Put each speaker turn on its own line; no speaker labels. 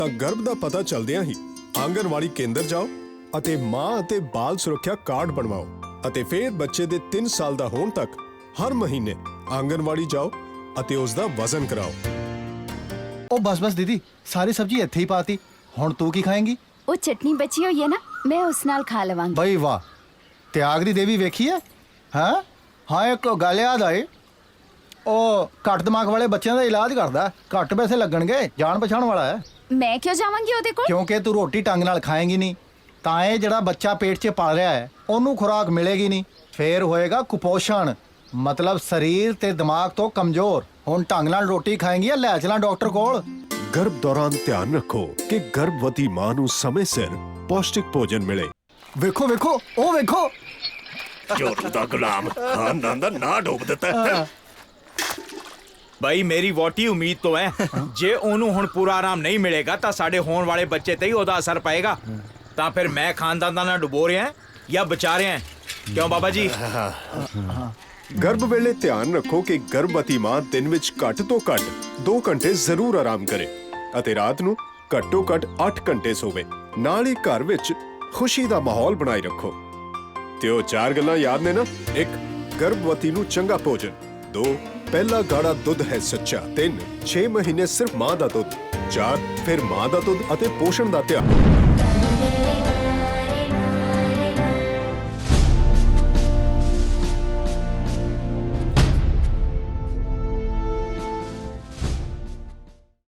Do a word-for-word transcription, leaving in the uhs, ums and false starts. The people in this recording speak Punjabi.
ਤਾਂ ਗਰਭ ਦਾ ਪਤਾ ਚਲਦਿਆਂ ਹੀ ਆਂਗਨਵਾੜੀ ਕੇਂਦਰ ਜਾਓ ਅਤੇ ਮਾਂ ਅਤੇ ਬਾਲ ਸੁਰੱਖਿਆ ਕਾਰਡ ਬਣਵਾਓ ਅਤੇ ਫਿਰ ਬੱਚੇ ਦੇ ਤਿੰਨ ਸਾਲ ਦਾ ਹੋਣ ਤੱਕ ਹਰ ਮਹੀਨੇ ਆਂਗਨਵਾੜੀ ਜਾਓ ਅਤੇ ਉਸ ਦਾ ਵਜ਼ਨ ਕਰਾਓ।
ਉਹ ਬਸ ਬਸ ਦੀਦੀ, ਸਾਰੀ ਸਬਜ਼ੀ ਇੱਥੇ ਹੀ ਪਾਤੀ। ਹੁਣ ਤੂੰ ਕੀ ਖਾਏਂਗੀ?
ਉਹ ਚਟਨੀ ਬਚੀ ਹੋਈ ਹੈ ਨਾ, ਮੈਂ ਉਸ ਨਾਲ ਖਾ ਲਵਾਂਗੀ।
ਬਈ ਵਾਹ, ਤਿਆਗ ਦੀ ਦੇਵੀ ਵੇਖੀ ਹੈ? ਹਾਂ ਹਾਂ, ਇੱਕ ਗੱਲ ਯਾਦ ਆਈ, ਉਹ ਘੱਟ ਦਿਮਾਗ ਵਾਲੇ ਬੱਚਿਆਂ ਦਾ ਇਲਾਜ ਕਰਦਾ। ਘੱਟ ਪੈਸੇ ਲੱਗਣਗੇ, ਜਾਣ ਪਛਾਣ ਵਾਲਾ ਹੈ।
ਮੈਂ ਕਿਉਂ ਜਾਵਾਂਗੀ ਉਹਦੇ ਕੋਲ?
ਕਿਉਂਕਿ ਤੂੰ ਰੋਟੀ ਢੰਗ ਨਾਲ ਖਾਏਂਗੀ ਨਹੀਂ, ਤਾਂ ਇਹ ਜਿਹੜਾ ਬੱਚਾ ਪੇਟ 'ਚ ਪਲ ਰਿਹਾ ਹੈ ਉਹਨੂੰ ਖੁਰਾਕ ਮਿਲੇਗੀ ਨਹੀਂ, ਫੇਰ ਹੋਏਗਾ ਕੁਪੋਸ਼ਣ, ਮਤਲਬ ਸਰੀਰ ਤੇ ਦਿਮਾਗ ਤੋਂ ਕਮਜ਼ੋਰ। ਹੁਣ ਢੰਗ ਨਾਲ ਰੋਟੀ ਖਾਏਂਗੀ ਜਾਂ ਲੈ ਚਲਾਂ ਡਾਕਟਰ ਕੋਲ?
ਗਰਭ ਦੌਰਾਨ ਧਿਆਨ ਰੱਖੋ ਕਿ ਗਰਭਵਤੀ ਮਾਂ ਨੂੰ ਸਮੇਂ ਸਿਰ ਪੌਸ਼ਟਿਕ ਭੋਜਨ ਮਿਲੇ।
ਵੇਖੋ ਵੇਖੋ, ਉਹ ਵੇਖੋ,
ਝੋਟੂ ਦਾ ਗੁਲਾਮ ਖਾਨਦਾਨ ਦਾ ਨਾ ਡੋਬ ਦਿੱਤਾ।
ਬਈ ਮੇਰੀ ਵੋਟੀ ਉਮੀਦ ਤੋਂ ਹੈ, ਜੇ ਉਹਨੂੰ ਹੁਣ ਪੂਰਾ ਆਰਾਮ ਨਹੀਂ ਮਿਲੇਗਾ ਤਾਂ ਸਾਡੇ ਹੋਣ ਵਾਲੇ ਬੱਚੇ ਤੇ ਹੀ ਉਹਦਾ ਅਸਰ ਪਏਗਾ। ਤਾਂ ਫਿਰ ਮੈਂ ਖਾਨਦਾਨ ਦਾ ਨਾ ਡੁਬੋ ਰਿਹਾ ਜਾਂ ਬਚਾ ਰਿਹਾ, ਕਿਉਂ ਬਾਬਾ ਜੀ?
ਗਰਭ ਵੇਲੇ ਧਿਆਨ ਰੱਖੋ ਕਿ ਗਰਭਵਤੀ ਮਾਂ ਦਿਨ ਵਿੱਚ ਘੱਟ ਤੋਂ ਘੱਟ ਦੋ ਘੰਟੇ ਜ਼ਰੂਰ ਆਰਾਮ ਕਰੇ ਅਤੇ ਰਾਤ ਨੂੰ ਘੱਟੋ ਘੱਟ ਅੱਠ ਘੰਟੇ ਸੋਵੇ। ਨਾਲ ਹੀ ਘਰ ਵਿੱਚ ਖੁਸ਼ੀ ਦਾ ਮਾਹੌਲ ਬਣਾਈ ਰੱਖੋ। ਤੇ ਉਹ ਚਾਰ ਗੱਲਾਂ ਯਾਦ ਨੇ ਨਾ? ਇੱਕ, ਗਰਭਵਤੀ ਨੂੰ ਚੰਗਾ ਭੋਜਨ। ਦੋ, ਪਹਿਲਾ ਗਾੜਾ ਦੁੱਧ ਹੈ ਸੱਚਾ। ਤਿੰਨ, ਛੇ ਮਹੀਨੇ ਸਿਰਫ ਮਾਂ ਦਾ ਦੁੱਧ। ਚਾਰ, ਫਿਰ ਮਾਂ ਦਾ ਦੁੱਧ ਅਤੇ ਪੋਸ਼ਣ ਦਾ ਧਿਆਨ।